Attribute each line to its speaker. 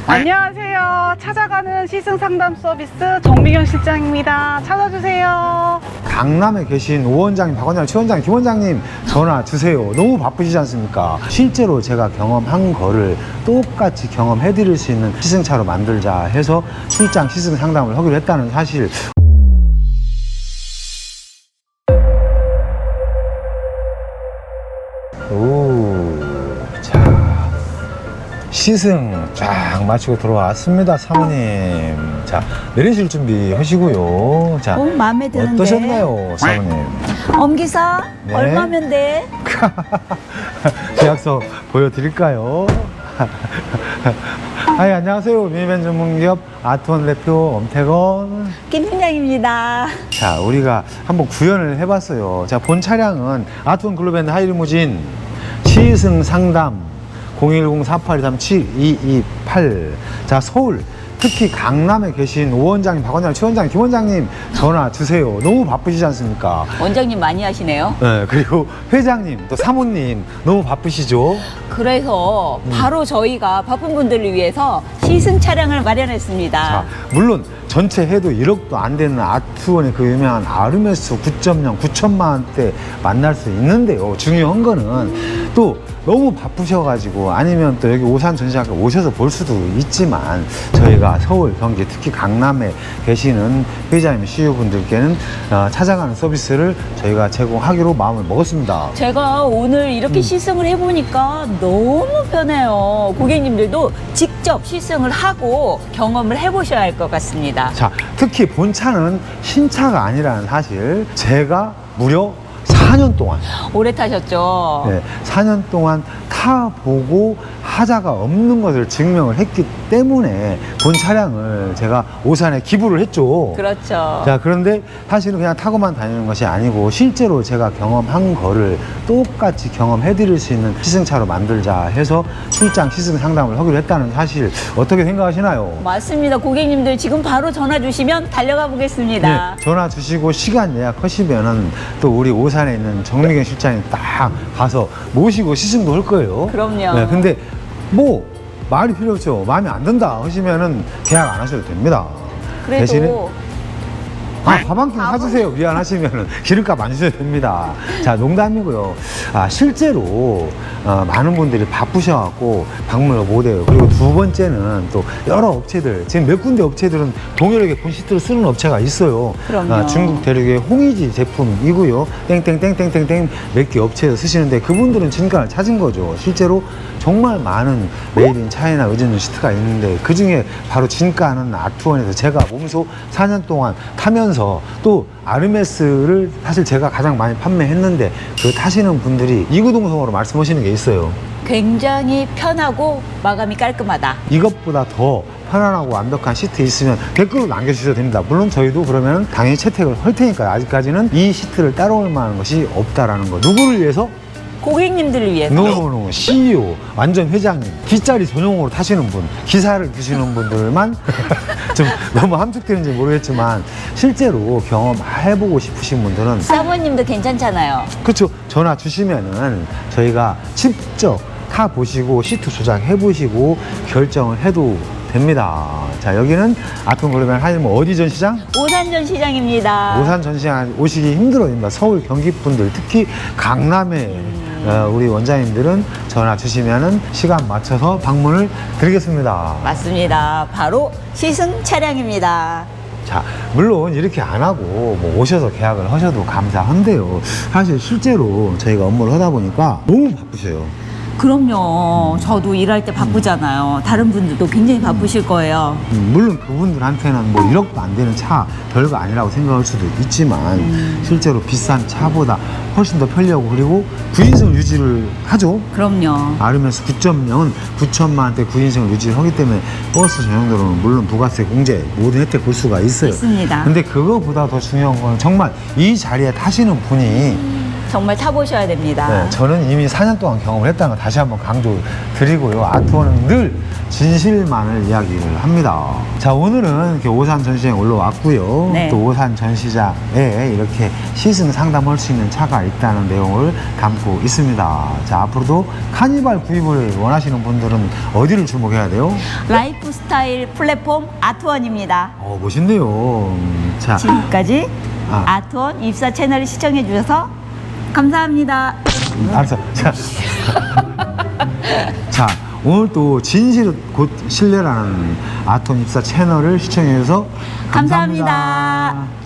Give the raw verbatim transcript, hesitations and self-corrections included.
Speaker 1: 안녕하세요. 찾아가는 시승 상담 서비스 정미경 실장입니다. 찾아주세요.
Speaker 2: 강남에 계신 오 원장님, 박 원장님, 최 원장님, 김 원장님 전화 주세요. 너무 바쁘시지 않습니까? 실제로 제가 경험한 거를 똑같이 경험해 드릴 수 있는 시승차로 만들자 해서 출장 시승 상담을 하기로 했다는 사실. 오, 자, 시승 쫙 마치고 들어왔습니다, 사모님. 자, 내리실 준비 하시고요. 자,
Speaker 3: 오, 마음에 드는데.
Speaker 2: 어떠셨나요, 사모님?
Speaker 3: 엄기사
Speaker 2: 네.
Speaker 3: 얼마면 돼?
Speaker 2: 계약서 보여드릴까요? 아이, 안녕하세요. 미니밴 전문기업 아트원 대표 엄태건.
Speaker 3: 김 팀장입니다.
Speaker 2: 자, 우리가 한번 구현을 해봤어요. 자, 본 차량은 아트원 글로벤 하이리무진 시승 상담 공일공 사팔이삼 칠이이팔. 자, 서울 특히 강남에 계신 오 원장님, 박 원장님, 최 원장님, 김 원장님 전화 주세요. 너무 바쁘시지 않습니까?
Speaker 3: 원장님 많이 하시네요.
Speaker 2: 네, 그리고 회장님, 또 사모님 너무 바쁘시죠?
Speaker 3: 그래서
Speaker 2: 음.
Speaker 3: 바로 저희가 바쁜 분들을 위해서 시승 차량을 마련했습니다.
Speaker 2: 자, 물론 전체 해도 일억도 안 되는 아트원의 그 유명한 아르메스 구 점 영 구천만 원대 만날 수 있는데요. 중요한 거는 또 너무 바쁘셔가지고 아니면 또 여기 오산 전시장에 오셔서 볼 수도 있지만 저희가 서울, 경기, 특히 강남에 계시는 회장님, 씨이오분들께는 어, 찾아가는 서비스를 저희가 제공하기로 마음을 먹었습니다.
Speaker 3: 제가 오늘 이렇게
Speaker 2: 음.
Speaker 3: 시승을 해보니까 너무 편해요. 고객님들도 직접 시승을 하고 경험을 해보셔야 할 것 같습니다.
Speaker 2: 자, 특히 본차는 신차가 아니라는 사실 제가 무려 사 년 동안
Speaker 3: 오래 타셨죠?
Speaker 2: 네, 사 년 동안 타보고 하자가 없는 것을 증명을 했기 때문에 본 차량을 제가 오산에 기부를 했죠.
Speaker 3: 그렇죠.
Speaker 2: 자, 그런데 사실은 그냥 타고만 다니는 것이 아니고 실제로 제가 경험한 거를 똑같이 경험해 드릴 수 있는 시승차로 만들자 해서 출장 시승 상담을 하기로 했다는 사실 어떻게 생각하시나요?
Speaker 3: 맞습니다. 고객님들 지금 바로 전화 주시면 달려가 보겠습니다.
Speaker 2: 네, 전화 주시고 시간 예약하시면은 또 우리 오산에 있는 정미경 실장님 딱 가서 모시고 시승도 할 거예요.
Speaker 3: 그럼요.
Speaker 2: 네, 근데 뭐 말이 필요 없죠. 마음에 안 든다 하시면은 계약 안 하셔도 됩니다.
Speaker 3: 그래도
Speaker 2: 대신에 아, 밥 한 끼 사주세요. 미안하시면은 기름값 안 주셔도 됩니다. 자, 농담이고요. 아, 실제로 어, 많은 분들이 바쁘셔갖고 방문을 못해요. 그리고 두 번째는 또 여러 업체들, 지금 몇 군데 업체들은 동일하게 본 시트를 쓰는 업체가 있어요.
Speaker 3: 그럼요.
Speaker 2: 아, 중국 대륙의 홍이지 제품이고요. 땡땡땡땡땡땡 몇 개 업체에서 쓰시는데 그분들은 진가를 찾은 거죠. 실제로 정말 많은 메이드 인 차이나 의전용 시트가 있는데 그 중에 바로 진가는 아트원에서 제가 몸소 사 년 동안 타면서 또 아르메스를 사실 제가 가장 많이 판매했는데 그 타시는 분들이 이구동성으로 말씀하시는 게 있어요.
Speaker 3: 굉장히 편하고 마감이 깔끔하다.
Speaker 2: 이것보다 더 편안하고 완벽한 시트 있으면 댓글로 남겨주셔도 됩니다. 물론 저희도 그러면 당연히 채택을 할 테니까요. 아직까지는 이 시트를 따라올 만한 것이 없다라는 거. 누구를 위해서?
Speaker 3: 고객님들을 위해서.
Speaker 2: 노노노 씨이오, 완전 회장님, 뒷자리 전용으로 타시는 분, 기사를 드시는 분들만 좀 너무 함축되는지 모르겠지만 실제로 경험해보고 싶으신 분들은
Speaker 3: 사모님도 괜찮잖아요.
Speaker 2: 그렇죠. 전화 주시면은 저희가 직접 타보시고 시트 조작해보시고 결정을 해도 됩니다. 자, 여기는 아트원 글로벤 하이리무진 어디 전시장?
Speaker 3: 오산 전시장입니다.
Speaker 2: 오산 전시장 오시기 힘들어집니다. 서울, 경기 분들, 특히 강남에
Speaker 3: 음.
Speaker 2: 어, 우리 원장님들은 전화 주시면은 시간 맞춰서 방문을 드리겠습니다.
Speaker 3: 맞습니다. 바로 시승 차량입니다.
Speaker 2: 자, 물론 이렇게 안 하고 뭐 오셔서 계약을 하셔도 감사한데요. 사실 실제로 저희가 업무를 하다 보니까 너무 바쁘셔요.
Speaker 3: 그럼요. 저도 일할 때 바쁘잖아요. 다른 분들도 굉장히 바쁘실 거예요.
Speaker 2: 음, 물론 그분들한테는 뭐 일억도 안 되는 차 별거 아니라고 생각할 수도 있지만
Speaker 3: 음.
Speaker 2: 실제로 비싼 차보다 훨씬 더 편리하고 그리고 구인승을 유지를 하죠.
Speaker 3: 그럼요.
Speaker 2: 아르메스 구 점 영은 구천만 원대 구인승을 유지를 하기 때문에 버스 전용도로는 물론 부가세 공제 모든 혜택 볼 수가 있어요.
Speaker 3: 있습니다.
Speaker 2: 근데 그거보다 더 중요한 건 정말 이 자리에 타시는 분이
Speaker 3: 정말 타보셔야 됩니다.
Speaker 2: 네, 저는 이미 사 년 동안 경험을 했다는 걸 다시 한번 강조드리고요. 아트원은 늘 진실만을 이야기를 합니다. 자, 오늘은 이렇게 오산 전시장에 올라왔고요.
Speaker 3: 네.
Speaker 2: 또 오산 전시장에 이렇게 시승 상담할 수 있는 차가 있다는 내용을 담고 있습니다. 자, 앞으로도 카니발 구입을 원하시는 분들은 어디를 주목해야 돼요?
Speaker 3: 라이프 스타일 플랫폼 아트원입니다.
Speaker 2: 어, 멋있네요. 음, 자,
Speaker 3: 지금까지
Speaker 2: 아.
Speaker 3: 아트원 입사 채널을 시청해 주셔서 감사합니다.
Speaker 2: 알았어. 자, 자, 오늘 또 진실 곧 신뢰라는 아톤 입사 채널을 시청해 주셔서 감사합니다.
Speaker 3: 감사합니다.